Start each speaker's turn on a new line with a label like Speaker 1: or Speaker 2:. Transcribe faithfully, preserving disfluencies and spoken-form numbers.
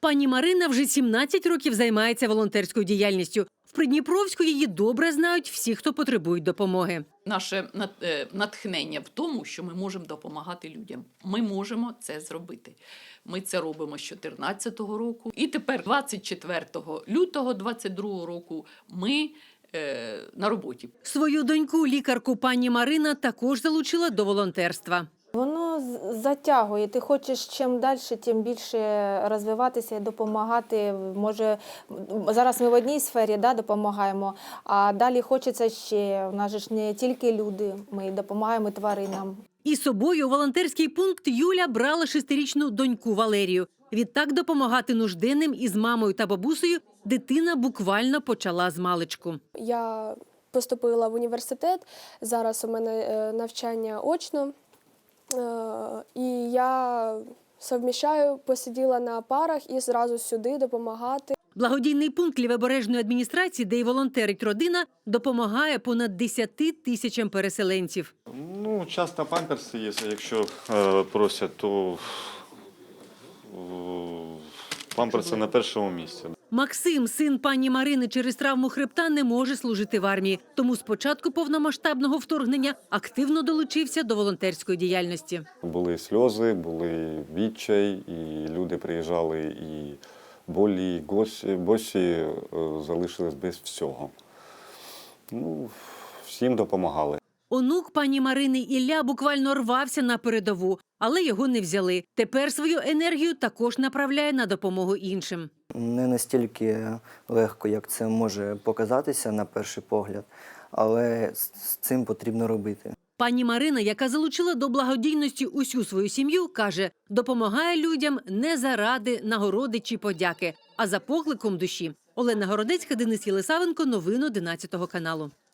Speaker 1: Пані Марина вже сімнадцять років займається волонтерською діяльністю. В Придніпровську її добре знають всі, хто потребують допомоги.
Speaker 2: Наше натхнення в тому, що ми можемо допомагати людям. Ми можемо це зробити. Ми це робимо з дві тисячі чотирнадцятого року. І тепер двадцять четвертого лютого двадцять другого року ми е, на роботі.
Speaker 1: Свою доньку, лікарку пані Марина, також залучила до волонтерства.
Speaker 3: Воно затягує. Ти хочеш чим далі, тим більше розвиватися і допомагати. Може, зараз ми в одній сфері, да, допомагаємо, а далі хочеться ще. У нас же ж не тільки люди, ми допомагаємо тваринам.
Speaker 1: І з собою у волонтерський пункт Юля брала шестирічну доньку Валерію. Відтак допомагати нужденним із мамою та бабусею дитина буквально почала з маличку.
Speaker 4: Я поступила в університет, зараз у мене навчання очно. І я совміщаю, посиділа на парах і зразу сюди допомагати.
Speaker 1: Благодійний пункт Лівобережної адміністрації, де й волонтерить родина, допомагає понад десяти тисячам переселенців.
Speaker 5: Ну, часто памперси є, якщо е, просять, то е, памперси на першому місці.
Speaker 1: Максим, син пані Марини, через травму хребта не може служити в армії. Тому з початку повномасштабного вторгнення активно долучився до волонтерської діяльності.
Speaker 5: Були сльози, були відчай, і люди приїжджали, і болі, і госі, босі е, залишились без всього. Ну, всім допомагали.
Speaker 1: Онук пані Марини Ілля буквально рвався на передову, але його не взяли. Тепер свою енергію також направляє на допомогу іншим.
Speaker 6: Не настільки легко, як це може показатися на перший погляд, але з цим потрібно робити.
Speaker 1: Пані Марина, яка залучила до благодійності усю свою сім'ю, каже, допомагає людям не заради нагороди чи подяки, а за покликом душі. Олена Городецька, Денис Єлисавенко, новини одинадцятого каналу.